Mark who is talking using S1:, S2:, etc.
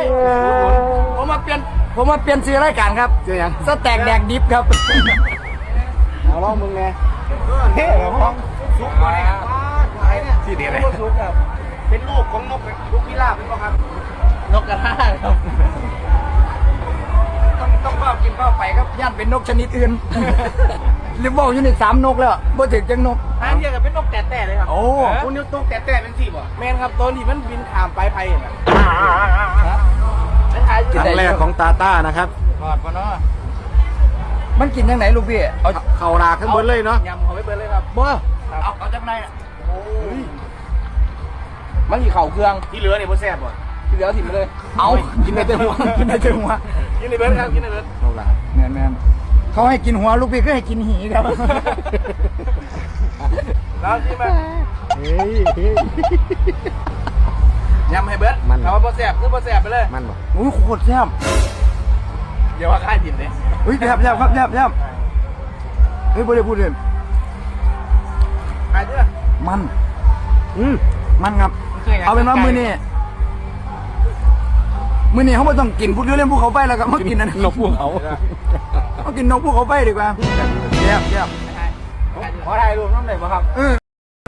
S1: ผมมาเปลี่ยนชื่อรายการครับ
S2: เจอยัง
S1: สแต็กแดกดิฟครับ
S2: เอาลองมึงไงเฮ้ยห้องซุกมาเนี่ยที่เดียวเลยซุกครับเป็นลูกของนกพิราบเป็นป่ะครับ
S1: นกกระทาครับต้องเฝ้ากินเฝ้าไปครับย่านเป็นนกชนิดอื่นหรือบอกอยู่ใน3 นกแล้วบ่ถึงจังนก
S3: ทางเดียวกับเป็นนกแต่เลยครับ
S1: โอ้
S3: คุณนิ้วตกแต่เป็นสี่บ่แมนครับตัวนี้มันบินขามไปไผ่น่ะ
S2: ครั้งแรกของตาต้านะครับ
S3: กอดมาเนาะ
S1: มันกินยังไงลูกพี่เอา
S2: เข่าราขึ้นบนเลยเนาะ
S3: ยำเขาไปเบิร์เลยครับ
S1: บ่เอาจากไหนมันมีเข่าเครื่อง
S3: ที่เหลือเนี่ยพ่อแซ่บบ่
S1: ที่เหลือถิ่มไปเลยเอากินในเต็มหัวกินในเต็มหัว
S3: กินในเบิร์ดครับกินในเบิร์ด
S2: เข่ารา
S1: แม่นเขาให้กินหัวลูกพี่ก็ให้กินหีครับ
S3: แล้วที่มา
S2: เฮ้ย
S3: ยำให้เบิร์ดถามว่าพ่อแซ่บคือพ่อแซ่บไปเลย
S2: มันบอก
S1: อุ้ยโคตรแซ่บ
S3: เดี๋ยวว่าค่ายดินเลย
S1: อุ้ยแซ่บครับแซ่บเฮ้ยบ่ได้พูดเลย
S3: ค่ายเด้อ
S1: มัน
S2: อืม
S1: มันครับเอาเป็นว่ามื้อนี้เขาไม่ต้องกินพูดเรื่องภูเขาไฟแล้วครับมากินอันนั้น
S2: นกพวกเขา
S1: มากินนกภูเขาไฟดีกว่าแซ่บ
S3: ขอถ่ายรูปน้องหน่อยบ่ครับ